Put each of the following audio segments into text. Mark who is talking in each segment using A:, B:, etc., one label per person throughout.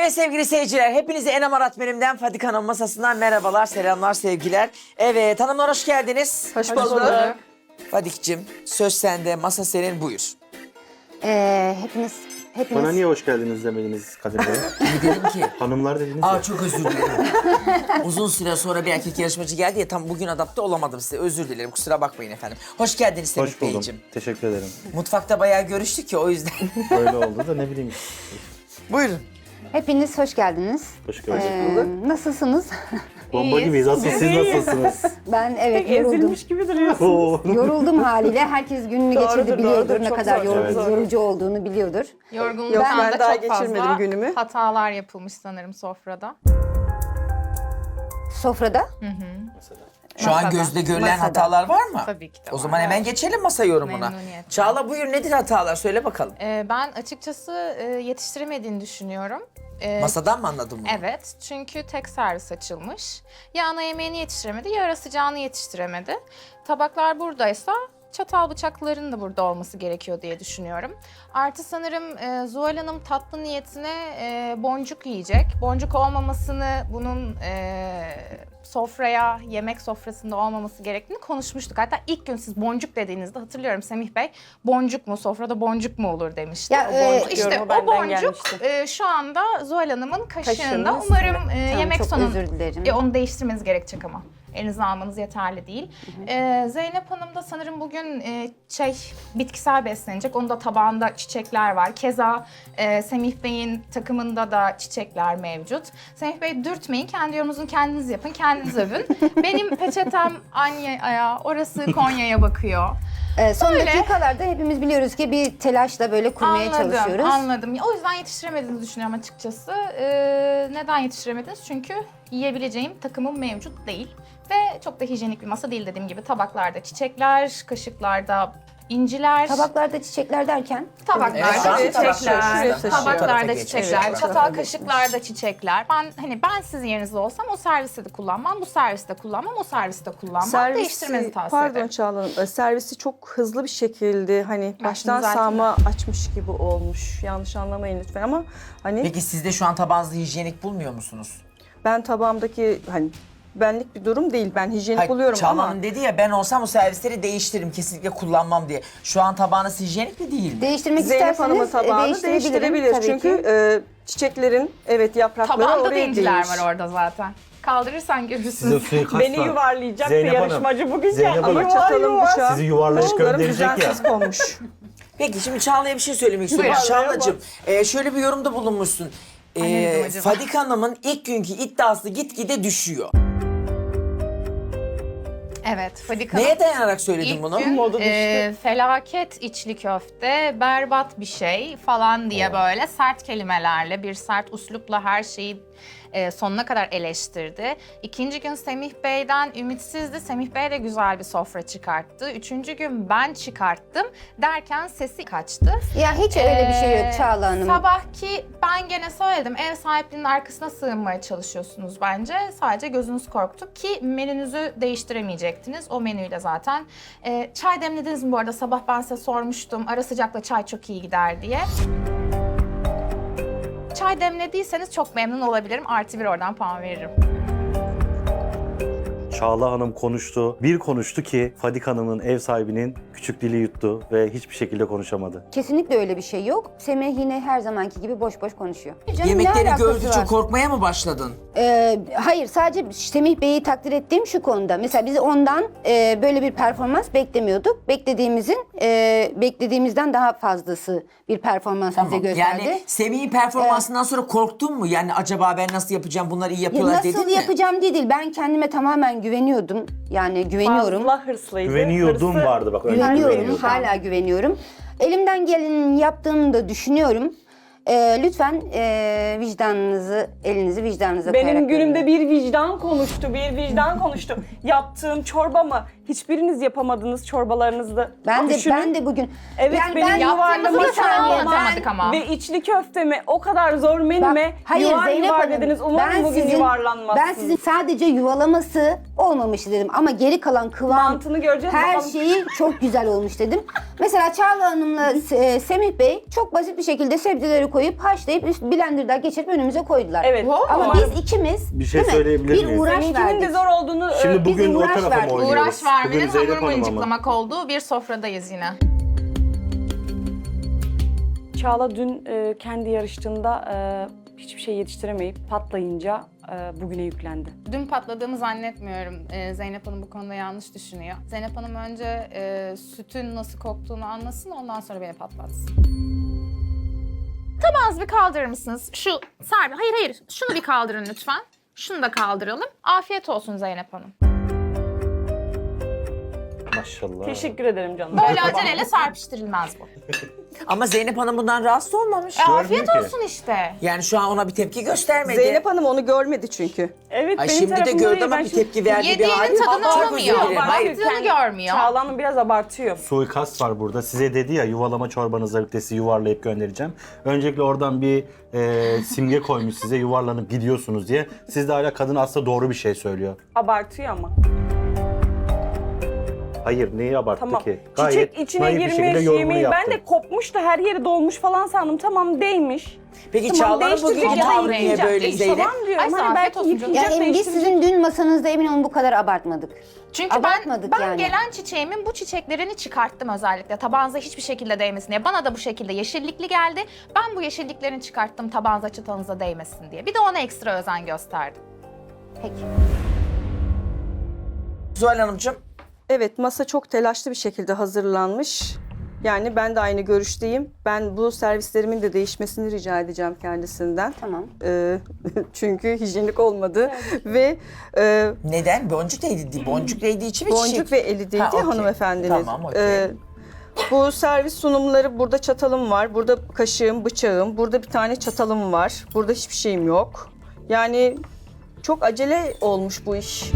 A: Evet sevgili seyirciler, hepinize Enem Aratmenim'den Fadik Hanım masasından merhabalar, selamlar, sevgiler. Evet hanımlar hoş geldiniz.
B: Hoş bulduk.
A: Fadik'cim söz sende, masa senin, buyur.
B: Hepiniz
C: Bana niye hoş geldiniz demediniz Kadir Bey?
A: Ne dedim ki?
C: Hanımlar dediniz
A: Aa
C: ya.
A: çok özür dilerim. Uzun süre sonra bir erkek yarışmacı geldi ya, tam bugün adapte olamadım size, özür dilerim, kusura bakmayın efendim. Hoş geldiniz Semih
C: Hoş buldum.
A: Beyciğim.
C: Teşekkür ederim.
A: Mutfakta bayağı görüştük ya, o yüzden.
C: Böyle oldu da ne bileyim.
A: Buyurun.
B: Hepiniz hoş geldiniz.
C: Hoş gördük.
B: Nasılsınız?
C: Bomba gibiyiz. Asıl siz nasılsınız?
B: Ben evet yoruldum.
D: Ezilmiş gibi duruyorsun.
C: Oo.
B: Yoruldum haliyle. Herkes gününü geçirdi biliyordur.
D: doğrudur.
B: Ne
D: Çok
B: kadar
D: zor,
C: çok zor.
B: yorucu olduğunu biliyordur.
E: Yorgunluktan
D: Yok, ben
E: da
D: daha
E: çok
D: geçirmedim
E: fazla
D: günümü.
E: hatalar yapılmış sanırım sofrada.
B: Sofrada.
A: Şu an
E: Masada.
A: gözde görülen
B: Masada.
A: hatalar var mı?
E: Tabii ki de
A: O
E: var.
A: zaman hemen geçelim masa yorumuna.
E: Memnuniyetle.
A: Çağla buyur, nedir hatalar, söyle bakalım.
E: Ben açıkçası yetiştiremediğini düşünüyorum.
A: Masadan mı anladın bunu?
E: Evet, çünkü tek servis açılmış. Ya ana yemeğini yetiştiremedi ya ara sıcağını yetiştiremedi. Tabaklar buradaysa çatal bıçakların da burada olması gerekiyor diye düşünüyorum. Artı sanırım Zuhal Hanım tatlı niyetine boncuk yiyecek. Boncuk olmamasını, bunun sofraya, yemek sofrasında olmaması gerektiğini konuşmuştuk. Hatta ilk gün siz boncuk dediğinizde hatırlıyorum Semih Bey, boncuk mu, sofrada boncuk mu olur demişti.
B: Ya,
E: İşte
D: yorumu
E: o
D: benden
E: boncuk
D: gelmişti.
E: şu anda Zuhal Hanım'ın kaşığında.
D: Kaşığının
E: Umarım
B: Tamam,
E: yemek
B: çok
E: sonu
B: özür dilerim.
E: onu değiştirmeniz gerekecek ama. Elinize almanız yeterli değil. Zeynep Hanım da sanırım bugün bitkisel beslenecek. Onun da tabağında çiçekler var. Keza Semih Bey'in takımında da çiçekler mevcut. Semih Bey dürtmeyin, kendi yorumunuzu kendiniz yapın, kendiniz övün. Benim peçetem Anya'ya, orası Konya'ya bakıyor.
B: Son
E: Öyle.
B: dakikalarda hepimiz biliyoruz ki bir telaşla böyle kurmaya çalışıyoruz.
E: Anladım. O yüzden yetiştiremediğinizi düşünüyorum açıkçası. Neden yetiştiremediniz? Çünkü yiyebileceğim takımım mevcut değil. Ve çok da hijyenik bir masa değil, dediğim gibi. Tabaklarda çiçekler, kaşıklarda inciler.
B: Tabaklarda çiçekler derken?
E: Tabaklarda
A: Evet,
E: çiçekler,
A: tabaklar.
E: tabaklarda
A: Evet.
E: çiçekler,
A: Evet.
E: çatal kaşıklarda çiçekler. Ben sizin yerinizde olsam o serviste de kullanmam, bu serviste kullanmam, o serviste kullanmam. Değiştirmenizi tavsiye
D: Pardon
E: ederim.
D: Çağla Hanım, servisi çok hızlı bir şekilde hani baştan
E: zaten-
D: sağma açmış gibi olmuş. Yanlış anlamayın lütfen ama hani
A: Peki siz de şu an tabağınızı hijyenik bulmuyor musunuz?
D: ben tabağımdaki hani benlik bir durum değil. Ben hijyenik
A: Hayır,
D: buluyorum
A: Çağla
D: ama
A: Hanım dedi ya, ben olsam o servisleri değiştiririm, kesinlikle kullanmam diye. Şu an tabağınız hijyenik mi değil mi?
B: Değiştirmek
D: Zeynep Hanım'ın
B: isterseniz
D: tabağını değiştirebilir.
B: tabii
D: Çünkü
B: ki.
D: çiçeklerin yaprakları
E: Tabağında da
D: oraya
E: inciler
D: değmiş.
E: var orada zaten. Kaldırırsan görürsün.
C: Size suikast
D: Beni
C: var.
D: yuvarlayacak
C: Zeynep
D: bir
C: Hanım,
D: yarışmacı bugün
C: Zeynep
D: geldi.
C: Hanım,
D: Yuvar
C: çatalım
D: yuvar.
C: bıçağı. Sizi yuvarlayıp
D: Kollarım
C: gönderecek ya.
D: düzensiz konmuş.
A: Peki şimdi Çağla'ya bir şey söylemek istiyorum.
E: Buyurun.
A: Çağla'cığım şöyle bir yorumda bulunmuşsun.
E: Ay, ne dedim acaba?
A: Fadik Hanım'ın ilk günkü iddiası gitgide düşüyor.
E: Evet, Fadik Hanım.
A: Neye dayanarak söyledin
E: İlk
A: bunu?
E: gün
D: Modu düştü.
E: felaket içli köfte, berbat bir şey falan diye böyle sert kelimelerle, bir sert üslupla her şeyi sonuna kadar eleştirdi. İkinci gün Semih Bey'den ümitsizdi. Semih Bey de güzel bir sofra çıkarttı. Üçüncü gün ben çıkarttım derken sesi kaçtı.
B: Ya hiç öyle bir şey yok Çağla Hanım.
E: Sabahki ben gene söyledim, ev sahipliğinin arkasına sığınmaya çalışıyorsunuz bence. Sadece gözünüz korktu ki menünüzü değiştiremeyecektiniz. O menüyle zaten. Çay demlediniz mi bu arada? Sabah ben size sormuştum. Ara sıcakla çay çok iyi gider diye. Çay demlediyseniz çok memnun olabilirim. +1 oradan puan veririm.
C: Çağla Hanım konuştu. Bir konuştu ki Fadik Hanım'ın ev sahibinin küçük dili yuttu ve hiçbir şekilde konuşamadı.
B: Kesinlikle öyle bir şey yok. Semih yine her zamanki gibi boş boş konuşuyor. Canım, ne
A: Yemekleri
B: alakası
A: gördükçe
B: var?
A: korkmaya mı başladın?
B: Hayır, sadece Semih Bey'i takdir ettiğim şu konuda. Mesela biz ondan böyle bir performans beklemiyorduk. Beklediğimizden daha fazlası bir performans bize gösterdi.
A: Yani Semih'in performansından sonra korktun mu? Yani acaba ben nasıl yapacağım, bunlar iyi yapıyorlar dedin
B: Nasıl
A: mi?
B: yapacağım değil. Ben kendime tamamen güveniyordum. Yani güveniyorum.
D: Fazla hırslıydı.
C: Güveniyordum
D: Hırsı-
C: vardı bak. önce
B: Güveniyorum,
C: güveniyordum.
B: hala güveniyorum. Elimden geleni yaptığımı da düşünüyorum. Lütfen elinizi vicdanınıza koyarak
D: Benim günümde
B: verin.
D: bir vicdan konuştu, bir vicdan konuştu. Yaptığım çorba mı? Hiçbiriniz yapamadınız çorbalarınızda.
B: Ben
D: Düşünün.
B: de bugün...
D: Evet, benim
E: Yaptığımızı
D: yuvarlama
E: bir tane
D: çorba
E: anlatamadık ama.
D: ve içli köftemi o kadar zor menüme
B: Hayır
D: yuvar
B: Zeynep
D: yuvar
B: Hanım,
D: dediniz. Umarım bugün yuvarlanmazsınız.
B: Ben sizin sadece yuvalaması olmamış dedim ama geri kalan kıvam,
D: Mantığını göreceğiz
B: her
D: bakalım.
B: şeyi çok güzel olmuş dedim. Mesela Çağla Hanım'la Semih Bey çok basit bir şekilde sebzeleri koyup haşlayıp blenderda geçirip önümüze koydular.
D: Evet.
B: Ama biz ikimiz
C: Bir şey
B: değil mi?
C: söyleyebilir
B: bir
C: miyim?
B: uğraş
D: Seninkinin
B: verdik.
D: de zor olduğunu
C: Şimdi
B: biz
C: bugün o
B: uğraş
C: tarafa
B: verdik.
C: mı oynuyoruz?
E: Uğraş vermenin
C: Bugün Zeynep
E: hamur
C: Hanım'a mı?
E: mıncıklamak olduğu bir sofradayız yine.
D: Çağla dün kendi yarıştığında hiçbir şey yetiştiremeyip patlayınca bugüne yüklendi.
E: Dün patladığımı zannetmiyorum. Zeynep Hanım bu konuda yanlış düşünüyor. Zeynep Hanım önce sütün nasıl koktuğunu anlasın, ondan sonra beni patlatsın. Tabağınızı bir kaldırır mısınız? Hayır. Şunu bir kaldırın lütfen. Şunu da kaldıralım. Afiyet olsun Zeynep Hanım.
C: Maşallah.
D: Teşekkür ederim canım.
E: Böyle aceleyle serpiştirilmez bu.
A: Ama Zeynep Hanım bundan rahatsız olmamış.
E: Afiyet
C: ki.
E: olsun işte.
A: Yani şu an ona bir tepki göstermedi.
F: Zeynep Hanım onu görmedi çünkü.
D: Evet,
A: Ay
D: benim
A: şimdi de
D: tarafımda
A: gördü
D: değil,
A: ama
D: ben
A: bir
D: şimdi-
A: tepki verdi bir
E: Yediğinin
A: hali.
E: tadını
A: Çok özür
E: alamıyor.
A: dilerim. Hayır.
E: Baktığını görmüyor.
D: Çağla Hanım biraz abartıyor.
C: Suikast var burada. Size dedi ya yuvalama çorbanızla birlikte sizi yuvarlayıp göndereceğim. Öncelikle oradan bir simge koymuş size yuvarlanıp gidiyorsunuz diye. Siz de hala kadın aslında doğru bir şey söylüyor.
D: Abartıyor ama.
C: Hayır neyi abarttı
D: Tamam.
C: ki?
D: Çiçek içine
C: naif bir şekilde
D: girmiş
C: yorumunu
D: yemeği.
C: yaptı.
D: Ben de kopmuş da her yeri dolmuş falan sandım. Tamam değmiş.
A: Peki
D: Tamam,
A: Çağla'nın
D: değiştirecek
A: bugünkü
D: ya da
A: tavrı niye
D: yıkayacak.
A: böyle Zeynep?
D: Tamam diyorum.
E: Ay,
D: Hani
E: afiyet
D: belki
E: olsun
D: yıkayacak,
B: Yani biz
D: değiştirecek.
B: sizin dün masanızda emin olun bu kadar abartmadık.
E: Çünkü
B: Abartmadık
E: ben
B: yani.
E: gelen çiçeğimin bu çiçeklerini çıkarttım özellikle. Tabağınıza hiçbir şekilde değmesin diye. Bana da bu şekilde yeşillikli geldi. Ben bu yeşilliklerini çıkarttım tabağınıza çıtanıza değmesin diye. Bir de ona ekstra özen gösterdim.
B: Peki.
A: Zuhal Hanımcığım.
F: Evet, masa çok telaşlı bir şekilde hazırlanmış. Yani ben de aynı görüşteyim. Ben bu servislerimin de değişmesini rica edeceğim kendisinden.
B: Tamam.
F: Çünkü hijyenik olmadı ve
A: Neden? Boncuk değdi. Boncuk değdiği için mi çiçek?
F: boncuk ve eli değdi
A: Ha, okey.
F: hanımefendinin.
A: Tamam, okey.
F: Bu servis sunumları, burada çatalım var, burada kaşığım, bıçağım, burada bir tane çatalım var, burada hiçbir şeyim yok. Yani çok acele olmuş bu iş.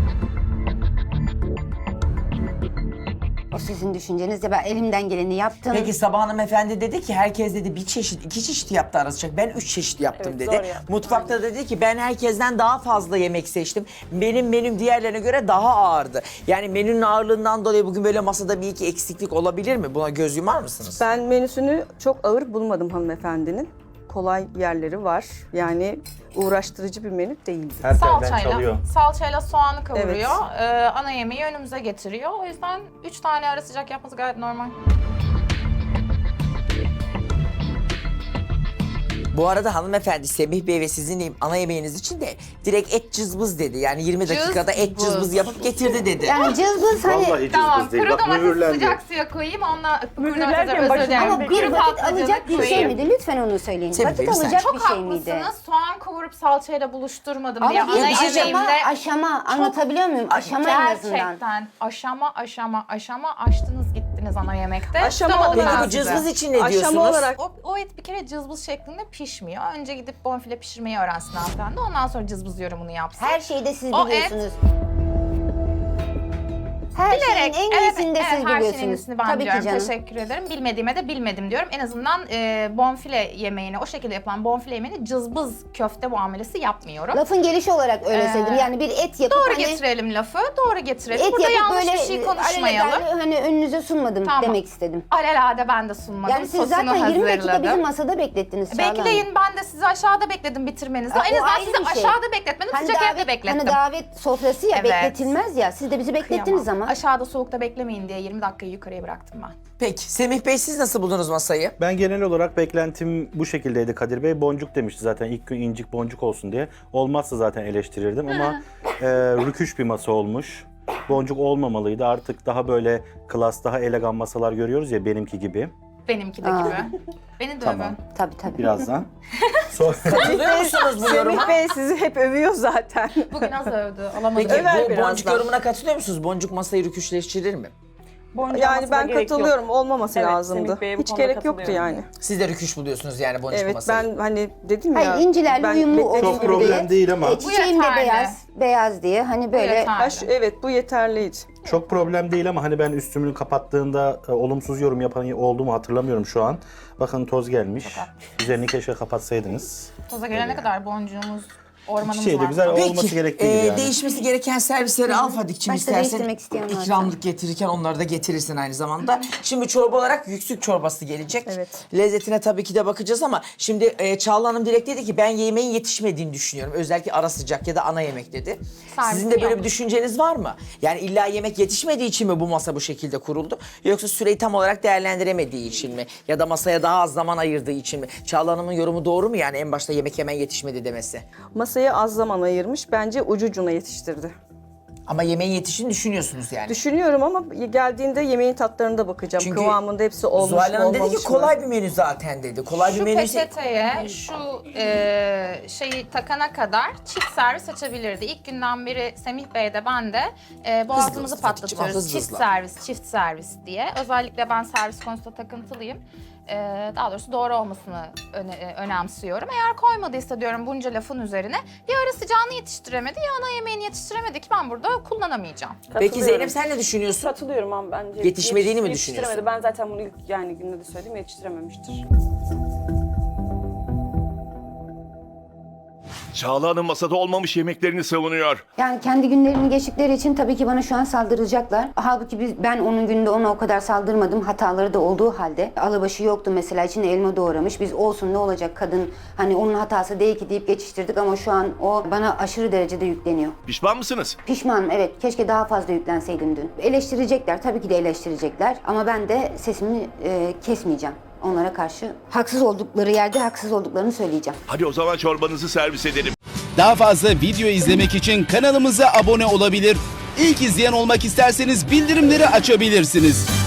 B: O sizin düşünceniz ya ben elimden geleni yaptım.
A: Peki Sabah hanımefendi dedi ki herkes dedi bir çeşit, iki çeşit yaptı arasacak. Ben 3 çeşit yaptım
D: Evet,
A: dedi.
D: zor yaptım.
A: Mutfakta dedi ki ben herkesten daha fazla yemek seçtim. Benim menüm diğerlerine göre daha ağırdı. Yani menünün ağırlığından dolayı bugün böyle masada bir iki eksiklik olabilir mi? Buna göz yumar mısınız?
F: Ben menüsünü çok ağır bulmadım hanımefendinin. Kolay yerleri var. Yani uğraştırıcı bir menü değildi.
C: Her telden çalıyor.
E: Salçayla soğanı kavuruyor. Ana yemeği önümüze getiriyor. O yüzden 3 tane ara sıcak yapması gayet normal.
A: Bu arada hanımefendi Semih Bey ve sizin ana yemeğiniz için de direkt et cızbız dedi. Yani 20 dakikada et
E: Cızbız.
A: cızbız yapıp getirdi dedi.
B: Yani cızbız hani
C: Vallahi
E: Tamam,
C: cızbız değil.
E: kuru
C: Bak
E: domatesi
C: mühürlendi.
E: sıcak suya koyayım, onunla
D: Mühürlerken
E: özür
D: başına-
E: dilerim.
B: ama bir
E: Kuru
B: vakit
E: patlıcanı
B: alacak bir şey
E: koyayım.
B: miydi? Lütfen onu söyleyin.
A: Tabii,
B: Vakit
A: bir saniye.
B: alacak
E: Çok
B: bir şey miydi?
E: haklısınız. Soğan kavurup salçayla buluşturmadım
B: Ama
E: diye.
B: bir
E: Ana
A: şey
B: aşama,
E: yemeğimde
B: aşama anlatabiliyor muyum? Aşama en azından.
E: gerçekten aşama açtınız gittiniz ana yemekte.
F: Aşama
E: Tutamadım
F: olarak-
E: ben
A: Peki bu
E: sizi.
A: cızbız için ne
F: Aşama
A: diyorsunuz?
F: olarak
E: O et bir kere cızbız şeklinde pişmiyor. Önce gidip bonfile pişirmeyi öğrensin hanımefendi. Ondan sonra cızbız yorumunu yapsın.
B: Her şeyi de siz
E: O
B: biliyorsunuz. Her şeyin en iyisini de siz
E: her şeyin en
B: biliyorsunuz.
E: iyisini ben
B: Tabii
E: biliyorum.
B: ki canım.
E: Teşekkür ederim. Bilmediğime de bilmedim diyorum. En azından bonfile yemeğini, o şekilde yapılan bonfile yemeğini cızbız köfte muamelesi yapmıyorum.
B: Lafın gelişi olarak öyle söyledim. Yani bir et yapıp
E: Doğru
B: hani
E: getirelim lafı, doğru getirelim.
B: et
E: Burada
B: yapıp
E: yanlış
B: böyle
E: bir şey konuşmayalım.
B: alelade hani önünüze sunmadım
E: Tamam.
B: demek istedim.
E: Alelade ben de sunmadım.
B: Yani siz
E: Sosunu
B: zaten 20 dakika
E: hazırladım.
B: bizi masada beklettiniz Çağla Hanım.
E: Bekleyin, ben de sizi aşağıda bekledim bitirmenizi.
B: Ha,
E: En
B: o
E: azından
B: ayrı
E: sizi
B: bir şey.
E: aşağıda bekletmedim, sıcak evde beklettim.
B: Hani davet sofrası ya
E: Evet.
B: bekletilmez ya. Siz de bizi beklettiniz
E: Kıyamam.
B: ama.
E: Aşağıda soğukta beklemeyin diye 20 dakikayı yukarıya bıraktım ben.
A: Peki Semih Bey siz nasıl buldunuz masayı?
C: Ben genel olarak beklentim bu şekildeydi Kadir Bey. Boncuk demişti zaten ilk gün incik boncuk olsun diye. Olmazsa zaten eleştirirdim ama rüküş bir masa olmuş. Boncuk olmamalıydı. Artık daha böyle klas, daha elegan masalar görüyoruz ya benimki gibi.
E: Benimki de
B: Aa.
E: gibi. Beni de
C: Tamam.
E: övün.
B: Tabii.
C: Birazdan. Sonra...
A: Katılıyor musunuz bu yoruma?
F: Semih Bey sizi hep övüyor zaten.
E: Bugün az övdü. Alamadım.
A: Peki
F: Över
A: bu
F: birazdan.
A: boncuk yorumuna katılıyor musunuz? Boncuk masayı rüküşleştirir mi?
D: Boncuğa
F: Yani
D: masada
F: ben
D: gerek yok.
F: katılıyorum. Olmaması
D: Evet,
F: lazımdı.
D: Semih Bey'e bu
F: Hiç
D: konuda
F: gerek yoktu
D: katılıyorum.
F: yani.
A: Siz de rüküş buluyorsunuz yani boncuk
F: Evet,
A: masayı.
F: ben hani dedim
B: Hayır
F: ya.
B: incilerle
F: ben
B: uyumlu
F: bekledim.
B: olsun
C: Çok problem
B: diye.
C: değil ama.
B: Çiçeğim de
E: yeterli.
B: beyaz diye hani böyle.
E: yeterli.
F: Evet, bu yeterliydi.
C: Çok problem değil ama hani ben üstümü kapattığında olumsuz yorum yapan oldu mu hatırlamıyorum şu an. Bakın toz gelmiş. Üzerini keşke kapatsaydınız.
E: Toza gelene kadar boncuğumuz Ormanımız
C: Şey de
E: var.
C: güzel
E: burada.
C: olması gerektiği gibi yani.
A: Değişmesi gereken servisleri al Fadik'cim
B: Başta
A: istersen
B: değiştirmek isteyen varsa.
A: ikramlık getirirken onları da getirirsin aynı zamanda. Şimdi çorba olarak yüksük çorbası gelecek.
F: Evet.
A: Lezzetine tabii ki de bakacağız ama şimdi Çağla Hanım direkt dedi ki ben yemeğin yetişmediğini düşünüyorum. Özellikle ara sıcak ya da ana yemek dedi.
E: Servisi
A: Sizin de böyle bir
E: yanlış.
A: düşünceniz var mı? Yani illa yemek yetişmediği için mi bu masa bu şekilde kuruldu? Yoksa süreyi tam olarak değerlendiremediği için mi? Ya da masaya daha az zaman ayırdığı için mi? Çağla Hanım'ın yorumu doğru mu yani en başta yemek hemen yetişmedi demesi?
F: Masaya az zaman ayırmış. Bence ucucuna yetiştirdi.
A: Ama yemeğin yetiştiğini düşünüyorsunuz yani.
F: Düşünüyorum ama geldiğinde yemeğin tatlarına da bakacağım.
A: Çünkü
F: Kıvamında hepsi olmuş mu,
A: Zuhal Hanım dedi
F: olmamış
A: ki
F: mı?
A: kolay bir menü zaten dedi. Kolay bir
E: Şu
A: menü.
E: peçeteye şu şeyi takana kadar çift servis açabilirdi. İlk günden beri Semih Bey de ben de boğazımızı
A: hızlı,
E: patlatıyoruz.
A: hızlı,
E: Çift
A: hızlı.
E: servis, çift servis diye. Özellikle ben servis konusunda takıntılıyım. Daha doğrusu doğru olmasını önemsiyorum. Eğer koymadıysa diyorum bunca lafın üzerine ya ara sıcağını yetiştiremedi ya ana yemeğini yetiştiremedi ki ben burada kullanamayacağım.
A: Peki
D: Katılıyorum.
A: Zeynep sen ne düşünüyorsun?
D: Katılıyorum ama bence
A: Yetişmediğini mi
D: yetiştiremedi.
A: düşünüyorsun?
D: Ben zaten bunu ilk yani günde de söyledim yetiştirememiştir.
G: Çağla Hanım masada olmamış yemeklerini savunuyor.
B: Yani kendi günlerini geçtikleri için tabii ki bana şu an saldıracaklar. Halbuki ben onun günde ona o kadar saldırmadım. Hataları da olduğu halde. Alabaşı yoktu mesela, içine elma doğramış. Biz olsun ne olacak kadın, hani onun hatası değil ki deyip geçiştirdik ama şu an o bana aşırı derecede yükleniyor.
G: Pişman mısınız?
B: Pişmanım, evet. Keşke daha fazla yüklenseydim dün. Eleştirecekler, tabii ki de eleştirecekler. Ama ben de sesimi kesmeyeceğim. Onlara karşı haksız oldukları yerde haksız olduklarını söyleyeceğim.
G: Hadi o zaman çorbanızı servis edelim.
H: Daha fazla video izlemek için kanalımıza abone olabilir. İlk izleyen olmak isterseniz bildirimleri açabilirsiniz.